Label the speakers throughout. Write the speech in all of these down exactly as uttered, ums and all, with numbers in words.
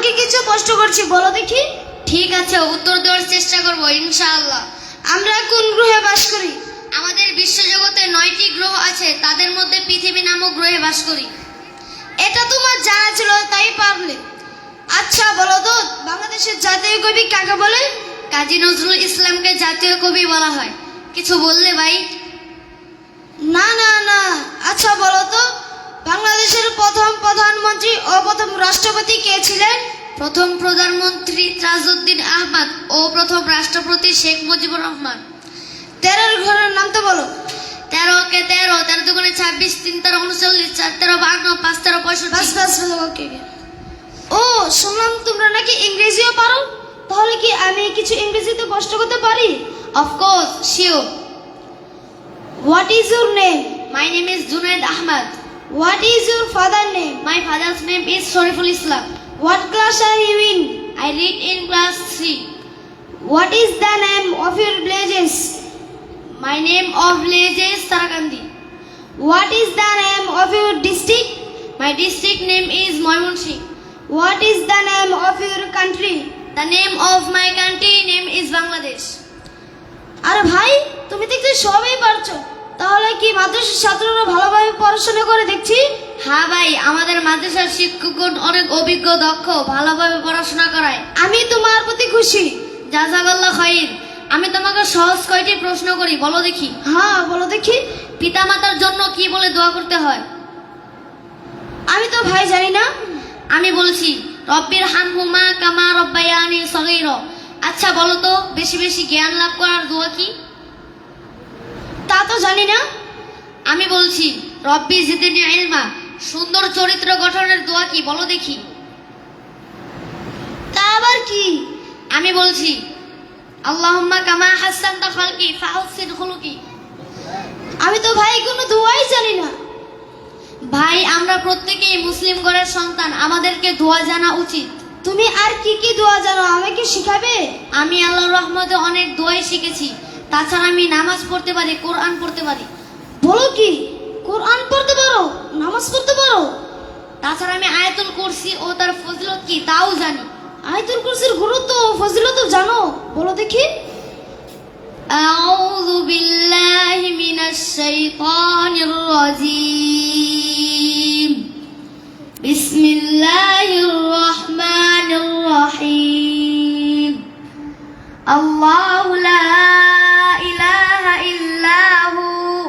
Speaker 1: তোমাকে কিছু প্রশ্ন করছি, বলো দেখি।
Speaker 2: ঠিক আছে, উত্তর দেওয়ার চেষ্টা করব ইনশাআল্লাহ।
Speaker 1: আমরা কোন গ্রহে বাস করি?
Speaker 2: আমাদের বিশ্বজগতে নয়টি গ্রহ আছে, তাদের মধ্যে পৃথিবী নামক গ্রহে বাস করি।
Speaker 1: এটা তোমার জানা ছিল, তাই পারলে। আচ্ছা বলো তো, বাংলাদেশের জাতীয় কবি কাকে বলে?
Speaker 2: কাজী নজরুল ইসলামকে জাতীয় কবি বলা হয়। কিছু বললে ভাই?
Speaker 1: না না না। আচ্ছা বলো তো, বাংলাদেশের প্রথম প্রধানমন্ত্রী ও প্রথম রাষ্ট্রপতি কে ছিলেন?
Speaker 2: প্রথম প্রধানমন্ত্রী তাজউদ্দিন আহমদ ও প্রথম রাষ্ট্রপতি শেখ মুজিবুর রহমান।
Speaker 1: তেরোর ঘরের নাম তো বলো।
Speaker 2: তেরো কে তেরো, তেরো দুগুণে ছাব্বিশ, তিন তেরো উনচল্লিশ, চার তেরো বান্ন, পাঁচ তেরো
Speaker 1: বাস
Speaker 2: পঁয়ষট্টি।
Speaker 1: বাস বাস, ওকে। ও শুনলাম তোমরা নাকি ইংরেজিও পারো, তাহলে কি আমি কিছু ইংরেজিতে প্রশ্ন করতে পারি?
Speaker 2: Of course, sure.
Speaker 1: What is your name?
Speaker 2: My name is Junaid Ahmed.
Speaker 1: What is your father name?
Speaker 2: My father's name is Shariful Islam.
Speaker 1: What class are you in?
Speaker 2: I read in class three.
Speaker 1: What is the name of your villages?
Speaker 2: My name of village is Sarakandi.
Speaker 1: What is the name of your district?
Speaker 2: My district name is Moymonsinh.
Speaker 1: What is the name of your country?
Speaker 2: The name of my country name is Bangladesh.
Speaker 1: আরে ভাই, তুমি দেখছি সবই পারছো, তাহলে কি মাদ্রাসার ছাত্ররা ভালোভাবে পড়াশোনা করে দেখছি?
Speaker 2: হ্যাঁ ভাই, আমাদের মাদ্রাসার শিক্ষকগণ অনেক অভিজ্ঞ, দক্ষ, ভালোভাবে পড়াশোনা করায়।
Speaker 1: আমি তোমার প্রতি খুশি।
Speaker 2: জাযাকাল্লাহ খাইর। আমি তোমাকে সহজ কয়টি প্রশ্ন করি, বলো দেখি।
Speaker 1: হ্যাঁ বলো দেখি।
Speaker 2: পিতামাতার জন্য কি বলে দোয়া করতে হয়?
Speaker 1: আমি তো ভাই জানি না।
Speaker 2: আমি বলছি, রব্বির হামহুমা কামা রব্বায়ানি সগীরা। আচ্ছা বলো তো, বেশি বেশি জ্ঞান লাভ করার দোয়া কি?
Speaker 1: তা তো জানি না।
Speaker 2: আমি বলছি, রব্বি জিদনি ইলমা। সুন্দর চরিত্র গঠনের দোয়া কি, বলো দেখি।
Speaker 1: তা আবার কি?
Speaker 2: আমি বলছি, আল্লাহুম্মা কামা হাসানতা খালকি ফাহসিন খুলুকি।
Speaker 1: আমি তো ভাই কোনো দোয়াই জানি না।
Speaker 2: ভাই, আমরা প্রত্যেকেই মুসলিম ঘরের সন্তান, আমাদেরকে দোয়া জানা উচিত।
Speaker 1: তুমি আর কি কি দোয়া জানো, আমাকে শিখাবে?
Speaker 2: আমি আল্লাহর রহমতে অনেক দোয়াই শিখেছি। তাছাড়া আমি নামাজ পড়তে পারি, কোরআন পড়তে পারি।
Speaker 1: বলো কি, কোরআন পড়তে পারো, নামাজ পড়তে পারো?
Speaker 2: তাছাড়া আমি আয়াতুল কুরসি ও তার ফজিলত কি তাও জানি।
Speaker 1: আয়াতুল কুরসির গুরুত্ব ও ফজিলত জানো, বলো দেখি।
Speaker 2: আউযু বিল্লাহি মিনাশ শাইতানির রাজীম। বিসমিল্লাহির রহমানির রহিম। আল্লাহু লা ইলাহা ইল্লাহু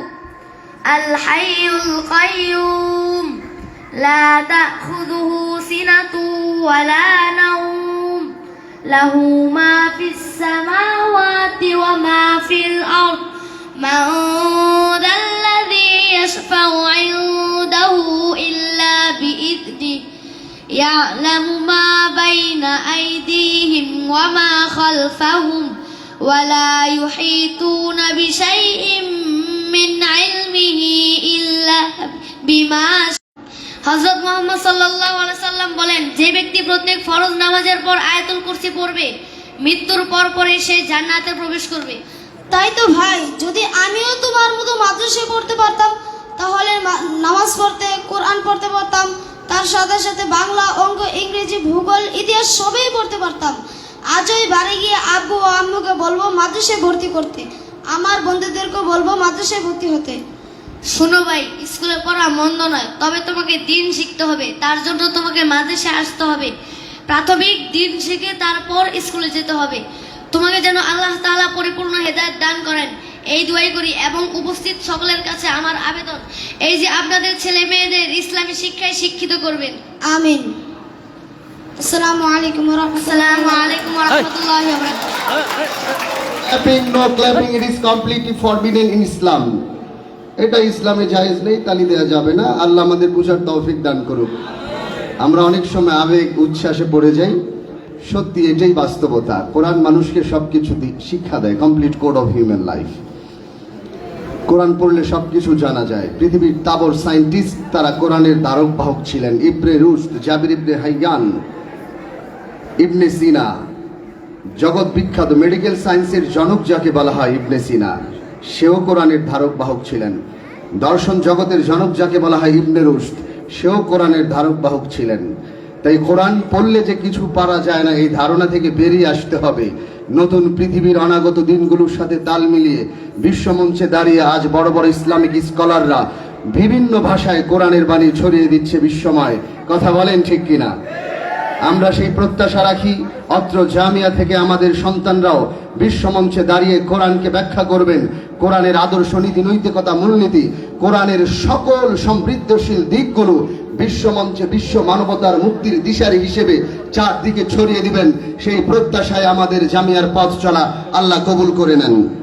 Speaker 2: আল হাইয়ুল কাইয়্যুম লা তাখুযুহু সিনাতুন ওয়া লা নাওম লাহু মা ফিস সামাওয়াতি ওয়া মা ফিল আরদ মান যাল্লাযী ইয়াশফাউ ইনদাহু ইল্লা বিইذনিহি ইয়ালামু মা বাইনা আইদিহিম ওয়া মা খালফাহুম ওয়া লা ইউহিতুনা বিশাইইন মিন ইলমিহি ইল্লা বিমা। হযরত মুহাম্মদ সাল্লাল্লাহু আলাইহি সাল্লাম বলেন, যে ব্যক্তি প্রত্যেক ফরজ নামাজের পর আয়াতুল কুরসি পড়বে, মৃত্যুর পর পরে সে জান্নাতে প্রবেশ করবে।
Speaker 1: তাই তো ভাই, যদি আমিও তোমার মতো মাদ্রাসায় পড়তে পারতাম, তাহলে নামাজ পড়তে, কোরআন পড়তে পারতাম, তার সাথে সাথে বাংলা, অঙ্ক, ইংরেজি, ভূগোল, ইতিহাস সবই পড়তে পারতাম। আজই বাড়ি গিয়ে আব্বু ও আম্মুকে বলবো মাদ্রাসায় ভর্তি করতে, আমার বন্ধুদেরকে বলবো মাদ্রাসায় ভর্তি হতে।
Speaker 2: শোনো ভাই, স্কুলে পড়া মন্দ নয়, তবে তোমাকে দিন শিখতে হবে। তার জন্য তোমাকে মাদ্রাসায় আসতে হবে। প্রাথমিক দিন শিখে তারপর স্কুলে যেতে হবে। তোমাকে যেন আল্লাহ তাআলা পরিপূর্ণ হেদায়েত দান করেন, এই দোয়াই করি। এবং উপস্থিত সকলের কাছে আমার আবেদন, এই যে আপনাদের ছেলে মেয়েদের ইসলামী শিক্ষায় শিক্ষিত করবেন।
Speaker 1: আমিন। আসসালামু আলাইকুম ওয়া রাহমাতুল্লাহি
Speaker 2: আসসালামু আলাইকুম ওয়া রাহমাতুল্লাহি ওয়া বারাকাতুহু।
Speaker 3: Clapping, no clapping, it is completely forbidden in Islam. এটা ইসলামে জায়েজ নেই, তালি দেওয়া যাবে না। আল্লাহ আমাদের বুঝার তৌফিক দান করুক। আমরা অনেক সময় আবেগ উচ্ছ্বাসে পড়ে যাই, সত্যি এটাই বাস্তবতা। কোরআন মানুষকে সবকিছু শিক্ষা দেয়, complete code of human life. Quran পড়লে সবকিছু জানা যায়। পৃথিবীর তাবর সায়েন্টিস্ট তারা কোরআনের ধারক বাহক ছিলেন। ইবনে রুশদ, জাবির ইবনে হাইয়ান, ইবনে সিনা, জগৎ বিখ্যাত মেডিকেল সায়েন্সের জনক যাকে বলা হয় ইবনে সিনা, সেও কোরআনের ধারক বাহক ছিলেন। দর্শন জগতের জনক যাকে বলা হয় ইবনে রুশদ, সেও কোরআনের ধারক বাহক ছিলেন। তাই কোরআন পড়লে যে কিছু পারা যায় না, এই ধারণা থেকে বেরিয়ে আসতে হবে। নতুন পৃথিবীর অনাগত দিনগুলোর সাথে তাল মিলিয়ে বিশ্বমঞ্চে দাঁড়িয়ে আজ বড় বড় ইসলামিক স্কলাররা বিভিন্ন ভাষায় কোরআনের বাণী ছড়িয়ে দিচ্ছে বিশ্বময়। কথা বলেন ঠিক কিনা? আমরা সেই প্রত্যাশা রাখি অত্র জামিয়া থেকে আমাদের সন্তানরাও বিশ্বমঞ্চে দাঁড়িয়ে কোরআনকে ব্যাখ্যা করবেন। কোরআনের আদর্শ, নীতি, নৈতিকতা, মূলনীতি, কোরআনের সকল সমৃদ্ধশীল দিকগুলো বিশ্বমঞ্চে বিশ্ব মানবতার মুক্তির দিশারি হিসেবে চারদিকে ছড়িয়ে দিবেন। সেই প্রত্যাশায় আমাদের জামিয়ার পথ চলা আল্লাহ কবুল করে নেন।